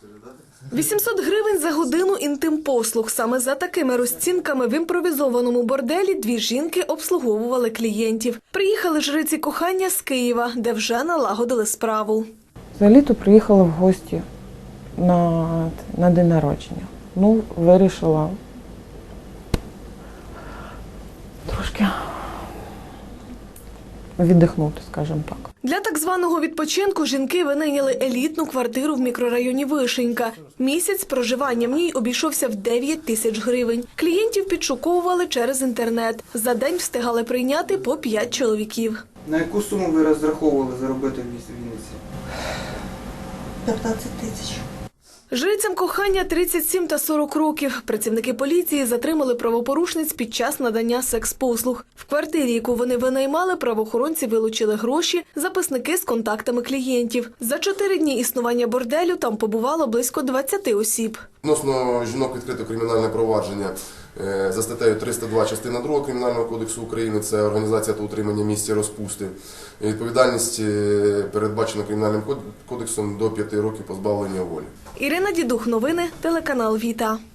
800 гривень за годину інтим-послуг. Саме за такими розцінками в імпровізованому борделі дві жінки обслуговували клієнтів. Приїхали жриці кохання з Києва, де вже налагодили справу. Взагалі-то приїхала в гості на день народження. Вирішила трошки віддихнути, скажімо так. Для так званого відпочинку жінки винайняли елітну квартиру в мікрорайоні Вишенька. Місяць проживання в ній обійшовся в 9 тисяч гривень. Клієнтів підшуковували через інтернет. За день встигали прийняти по 5 чоловіків. На яку суму ви розраховували заробити в Вінниці? 15 тисяч. Жрицям кохання 37 та 40 років. Працівники поліції затримали правопорушниць під час надання секс-послуг. В квартирі, яку вони винаймали, правоохоронці вилучили гроші, записники з контактами клієнтів. За 4 дні існування борделю там побувало близько 20 осіб. Відносно жінок відкрито кримінальне провадження за статтею 302 частина 2 Кримінального кодексу України. Це організація та утримання місця розпусти. Відповідальність передбачена Кримінальним кодексом до 5 років позбавлення волі. Ірина Дідух, новини, телеканал Віта.